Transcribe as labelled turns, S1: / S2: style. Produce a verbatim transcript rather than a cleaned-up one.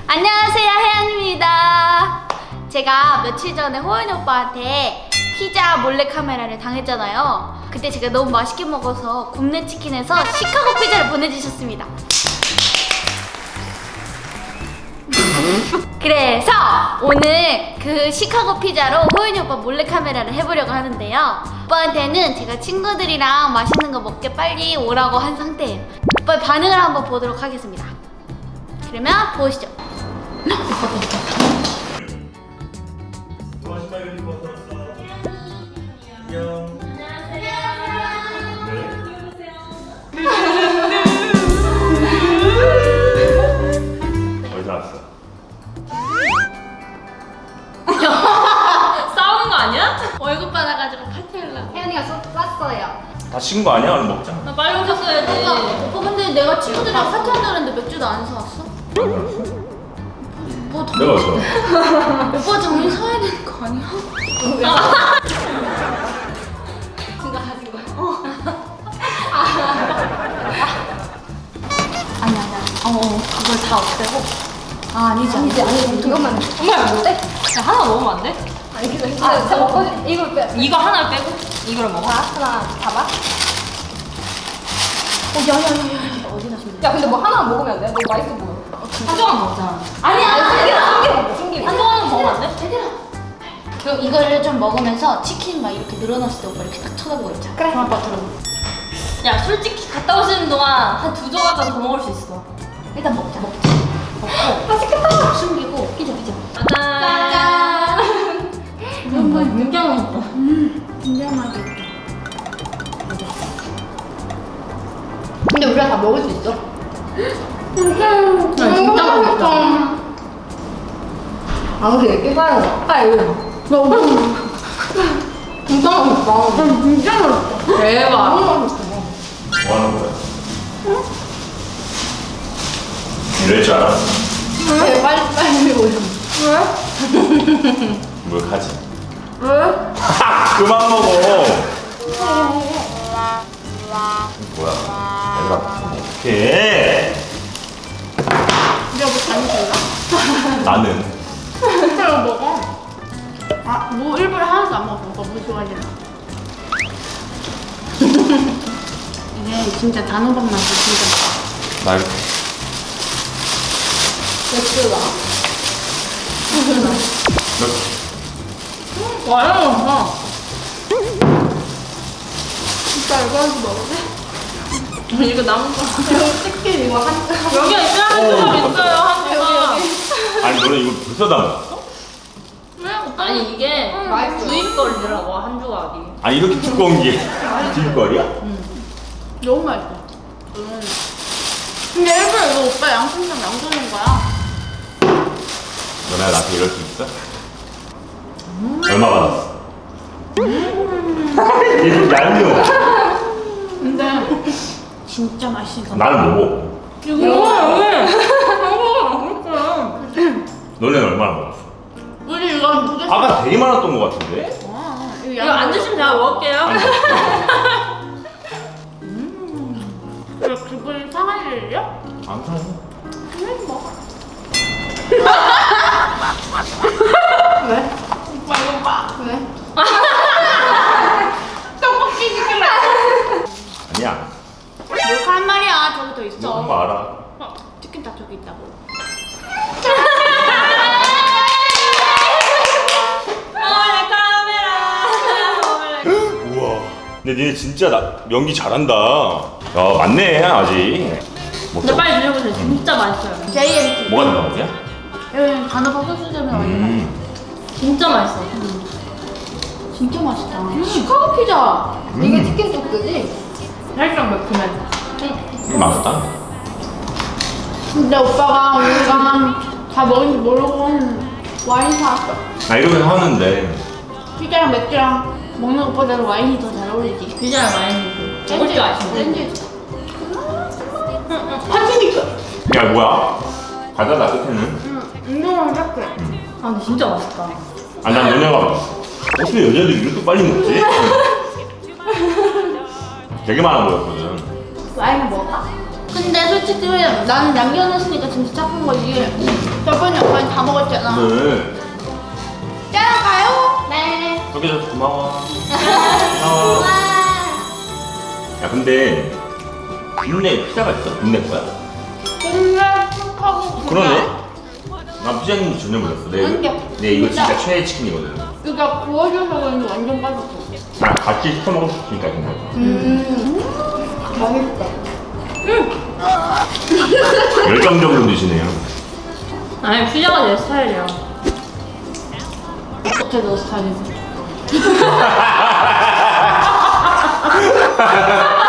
S1: 안녕하세요, 혜연입니다. 제가 며칠 전에 호연이 오빠한테 피자 몰래카메라를 당했잖아요. 그때 제가 너무 맛있게 먹어서 굽네 치킨에서 시카고 피자를 보내주셨습니다. 그래서 오늘 그 시카고 피자로 호연이 오빠 몰래카메라를 해보려고 하는데요. 오빠한테는 제가 친구들이랑 맛있는 거 먹게 빨리 오라고 한 상태예요. 오빠의 반응을 한번 보도록 하겠습니다. 그러면 보시죠.
S2: 어디서 왔어?
S3: 싸우는 거 아니야?
S1: 월급 받아가지고 파티하려고. 혜연이가 쐈어요.
S2: 다 식은 거 아니야? 얼른 먹자.
S3: 나 빨리 오셨어야지.
S1: 오빠, 오빠 근데 내가 친구들이랑 파티한다 그랬는데 맥주도 안 사왔어? 뭐 더...
S2: 내가 왔어.
S1: 오빠 정신 사야 되는 거 아니야? 그거 하지 마. 어. 아니 아니야. 어, 그걸 다 없애고. 아 아니지 아니지 아니지. 이것만.
S3: 정말 못해? 야, 하나 먹으면 안 돼?
S1: 아니 그냥 아 진짜 먹고 이걸 빼.
S3: 이거 하나를 빼고 이거를 먹어.
S1: 하나 봐봐. 어 야야야야 어디 나시면
S4: 야 근데 뭐 하나 먹으면 안 돼? 너무 맛있어 보여.
S3: 한 조각 먹자.
S1: 아니 아니
S4: 신기해 먹어 신기해.
S3: 한 조각은 먹으면 안 돼?
S1: 얘들아. 그럼 이거를 좀 먹으면서 치킨 막 이렇게 늘어났을 때 오빠 이렇게 딱 쳐다보고 있자. 그래. 그럼 오빠 들어.
S3: 야, 솔직히 갔다 오시는 동안 한 두 조각까지 더 먹을 수 있어.
S1: 일단 먹자. 먹자. 먹고 맛있겠다. 숨기고 피자 피자.
S3: 짠.
S1: 음,
S3: 굉장히 맛있다.
S1: 음, 진짜 맛있겠다.
S4: 근데 우리가 다 먹을 수 있어?
S1: 음, 진짜 맛있다.
S4: 아 근데 이렇게 봐요. 아 이거
S1: 너무
S4: 진짜 맛있다.
S1: 진짜 맛있다.
S3: 대박.
S4: 너무 맛있어.
S2: 뭐 하는 거야? 이럴 줄 알았어.
S4: 왜 빨리 빨리 오죠.
S2: 뭘 하지?
S1: 왜?
S2: 그만 먹어. 뭐야? 얘들아, 어떡해?
S1: 내가 뭐 잘못했나?
S2: 나는.
S1: 진짜 이거 먹어. 아, 뭐 일부러 하나도 안 먹어. 오빠 뭐 좋아하잖아. 이게 진짜 단호박 맛이 진짜.
S2: 나 이거.
S4: 맥주가.
S2: 너
S1: 와요, 오빠. 진짜 이거 한번 먹을래? 이거 남은 거.
S4: 치킨 이거 한
S3: 여기 있어요. 한 조각 있어요. 한 조각.
S2: 아니 너는 이거 벌써 다 먹었어?
S1: 왜? 오빠?
S3: 아니, 이게
S4: 맛있어.
S3: 주인 거리더라고, 한 조각이.
S2: 아니 이렇게 두꺼운 게 뒷거리야?
S1: 너무 맛있어. 음. 근데 일부러 이거 오빠 양심상 양주는 거야.
S2: 너네가 나한테 이럴 수 있어? 얼마 받았어? 이거 얄미워.
S1: 근데 진짜 맛있어.
S2: 나는 뭐 먹고.
S1: 이거
S2: 너네는 얼마나 먹었어?
S1: 우리 이거 두 개.
S2: 아까 되게 많았던 것 같은데?
S1: 와,
S3: 이거 안 드시면 제가 먹을게요.
S1: 왜 기분이 상할 일이야?
S2: 안 사요.
S1: 왜 먹어?
S4: 왜?
S1: 오빠 이거 봐.
S4: 왜?
S1: 떡볶이 시킬래?
S2: 아니야.
S1: 몰카 한 마리야. 저기 더 있어.
S2: 너 한번 알아.
S1: 어, 치킨 다 저기 있다고.
S3: 몰래 카메라.
S2: 우와. 근데 니네 진짜 나, 연기 잘한다. 야, 맞네, 아직. 먹자.
S3: 근데 빨리 드셔보세요. 진짜 맛있어요.
S1: 제이엠티.
S2: 뭐가 들어간 거야?
S1: 여기 단호박 소스점에 와있는
S2: 음.
S3: 진짜 맛있어.
S1: 진짜 맛있다. 시카고 피자.
S4: 이게 치킨 소스지?
S3: 살짝 매콤해.
S2: 음, 맛있다.
S1: 근데 오빠가 우리가 다 먹은지 모르고 와인 사왔어.
S2: 나 이러면 하는데.
S1: 피자랑 맥주랑 먹는 것보다는 와인이 더 잘 어울리지.
S3: 피자랑 와인이 먹을 줄 아시네.
S1: 샌드위치. 파티니까.
S2: 야, 뭐야? 과자다, 끝에는.
S1: 응, 운동을 닦게.
S3: 아, 근데 진짜 맛있다.
S2: 아, 난 너네가 어떻게 여자들이 이렇게 빨리 먹지? 되게 많아 보였거든.
S1: 와인 먹을까? 근데 솔직히 솔직히 나는 남겨놨으니까 진짜 착한 거지. 저번에 오빠는 다 먹었잖아.
S2: 네.
S1: 짠 가요? 네.
S2: 그렇게 해줘서 고마워. 고마워. 야 근데 국내 피자가 있어? 국내 거야?
S1: 근데 하고
S2: 그러네? 난 피자인 줄 전혀 몰랐어. 내,
S1: 아니야.
S2: 내 이거
S1: 진짜.
S2: 진짜 최애 치킨이거든.
S1: 그러니까 구워줘서 그런지 완전 빠졌어.
S2: 아, 같이 시켜 먹을 수 있으니까 정말.
S1: 음.
S4: 맛있다.
S2: 열정적으로 드시네요.
S3: 아니 피자가 내 스타일이야.
S1: 어때 너 스타일이지?